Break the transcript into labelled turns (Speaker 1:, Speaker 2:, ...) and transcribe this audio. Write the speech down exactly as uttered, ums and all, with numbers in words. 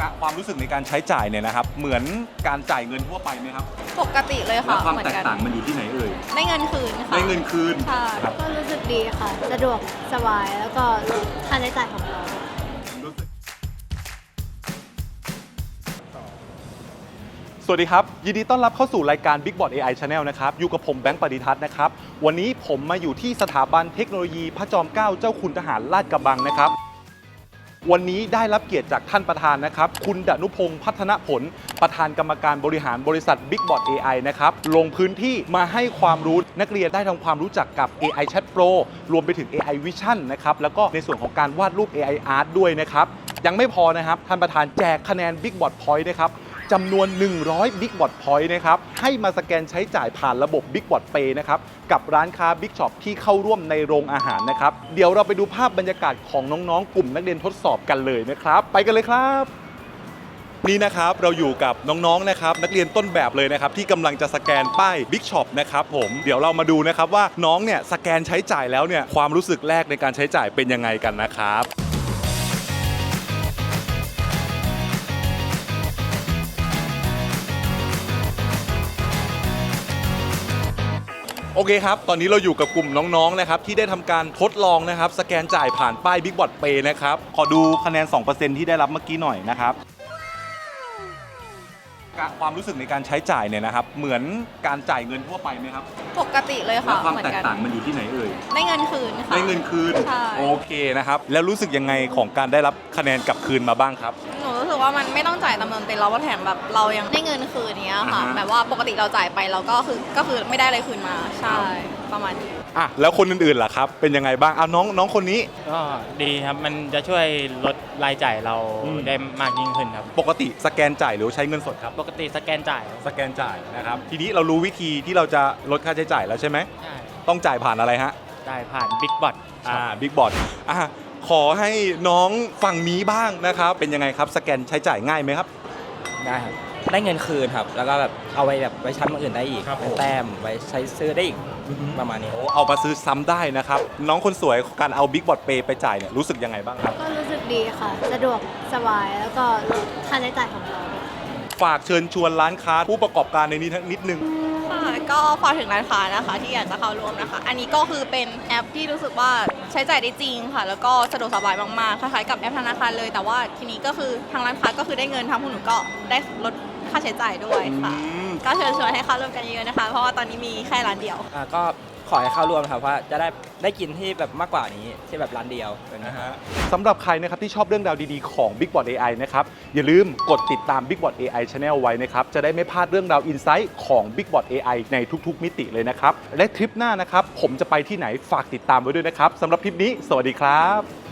Speaker 1: ความรู้สึกในการใช้จ่ายเนี่ยนะครับเหมือนการจ่ายเงินทั่วไปไหมครับ
Speaker 2: ปกติเลยค่ะ
Speaker 1: แล้วความแตกต่างมันอยู่ที่ไหนเอ่ย
Speaker 2: ได้เงินคืนค่ะ
Speaker 1: ได้เงินคืน
Speaker 2: ใช่
Speaker 3: ก็รู้สึกดีค่ะสะดวกสบายแล้วก็ลดค่าใช้จ่ายของเรา
Speaker 1: สวัสดีครับยินดีต้อนรับเข้าสู่รายการ Big Bot เอ ไอ Channel นะครับอยู่กับผมแบงค์ปฏิทัศน์นะครับวันนี้ผมมาอยู่ที่สถาบันเทคโนโลยีพระจอมเกล้าเจ้าคุณทหารลาดกระบังนะครับวันนี้ได้รับเกียรติจากท่านประธานนะครับคุณดนุพงศ์พัฒนผลประธานกรรมการบริหารบริษัท Big Bot เอ ไอ นะครับลงพื้นที่มาให้ความรู้นักเรียนได้ทำความรู้จักกับ เอ ไอ Chat Pro รวมไปถึง เอ ไอ Vision นะครับแล้วก็ในส่วนของการวาดรูป เอ ไอ Art ด้วยนะครับยังไม่พอนะครับท่านประธานแจกคะแนน Big Bot Point นะครับจำนวนหนึ่งร้อย Big Bot Point นะครับให้มาสแกนใช้จ่ายผ่านระบบ Big Bot Pay นะครับกับร้านค้า Big Shop ที่เข้าร่วมในโรงอาหารนะครับเดี๋ยวเราไปดูภาพบรรยากาศของน้องๆกลุ่มนักเรียนทดสอบกันเลยนะครับไปกันเลยครับนี่นะครับเราอยู่กับน้องๆนะครับนักเรียนต้นแบบเลยนะครับที่กำลังจะสแกนป้าย Big Shop นะครับผมเดี๋ยวเรามาดูนะครับว่าน้องเนี่ยสแกนใช้จ่ายแล้วเนี่ยความรู้สึกแรกในการใช้จ่ายเป็นยังไงกันนะครับโอเคครับตอนนี้เราอยู่กับกลุ่มน้องๆนะครับที่ได้ทำการทดลองนะครับสแกนจ่ายผ่านป้าย Big Bot Pay นะครับขอดูคะแนน สองเปอร์เซ็นต์ ที่ได้รับเมื่อกี้หน่อยนะครับความรู้สึกในการใช้จ่ายเนี่ยนะครับเหมือนการจ่ายเงินทั่วไปไหมครับ
Speaker 2: ปกติเลยค่ะ
Speaker 1: แล้วความแตกต่างมันอยู่ที่ไหนเอ่ย
Speaker 2: ได้เงินคืนค่ะ
Speaker 1: ได้เงินคืน
Speaker 2: ใช่
Speaker 1: โอเคนะครับแล้วรู้สึกยังไงของการได้รับคะแนนกลับคืนมาบ้างครับ
Speaker 2: หนูรู้สึกว่ามันไม่ต้องจ่ายตามจำนวนเต็มแล้วว่าแถมแบบเรายังได้เงินคืนเนี้ยค่ะแบบว่าปกติเราจ่ายไปเราก็คือก็คือไม่ได้อะไรคืนมาใช่ประมาณนี้
Speaker 1: อ่ะแล้วคนอื่นๆล่ะครับเป็นยังไงบ้างเอาน้องน้องคนนี้
Speaker 4: ก็ดีครับมันจะช่วยลดรายจ่ายเราได้มากยิ่งขึ้นครับ
Speaker 1: ปกติสแกนจ่ายหรือใช้เงินสดครับ
Speaker 4: ปกติสแกนจ่าย
Speaker 1: สแกนจ่ายนะครับทีนี้เรารู้วิธีที่เราจะลดค่าใช้จ่ายแล้วใช่ไหม
Speaker 4: ใช่
Speaker 1: ต้องจ่ายผ่านอะไรฮะ
Speaker 4: จ่ายผ่าน Big Bot
Speaker 1: อ่า Big Bot อ่ะขอให้น้องฝั่งนี้บ้างนะครับเป็นยังไงครับสแกนใช้จ่ายง่ายไหมครับ
Speaker 5: ได้ครับได้เงินคืนครับแล้วก็แบบเอาไว้แบบไว้ชั้นอื่นได้อีกเป็นแต้มไว้ใช้ซื้อได้อีกประมาณนี้
Speaker 1: เอามาซื้อซ้ำได้นะครับน้องคนสวยการเอา Big Bot Pay ไปจ่ายเนี่ยรู้สึกยังไงบ้างครับ
Speaker 3: ก็รู้สึกดีค่ะสะดวกสบายแล้วก็ลดค่าใช้จ่ายของเรา
Speaker 1: ฝากเชิญชวนร้านค้าผู้ประกอบการในนี้นิดนึง
Speaker 2: ค่ะก็ฝากถึงร้านค้านะคะที่อยากจะเข้าร่วมนะคะอันนี้ก็คือเป็นแอปที่รู้สึกว่าใช้จ่ายได้จริงค่ะแล้วก็สะดวกสบายมากๆคล้ายๆกับแอปธนาคารเลยแต่ว่าทีนี้ก็คือทางร้านค้าก็คือได้เงินทางผู้หนูก็ได้ลดค่าใช้จ่ายด้วยค่ะก็เชิญชวนให้เข้าร่วมกันเยอะนะคะเพราะว่าตอนนี้มีแค่ร้านเดียว
Speaker 5: อ่าก็ขอให้เข้าร่วมครับว่าจะได้ได้กินที่แบบมากกว่านี้ที่แบบร้านเดียว
Speaker 1: นะฮะสำหรับใครนะครับที่ชอบเรื่องราวดีๆของ Big Bot เอ ไอ นะครับอย่าลืมกดติดตาม Big Bot เอ ไอ Channel ไว้นะครับจะได้ไม่พลาดเรื่องราวอินไซต์ของ Big Bot เอ ไอ ในทุกๆมิติเลยนะครับและทริปหน้านะครับผมจะไปที่ไหนฝากติดตามไว้ด้วยนะครับสำหรับทริปนี้สวัสดีครับ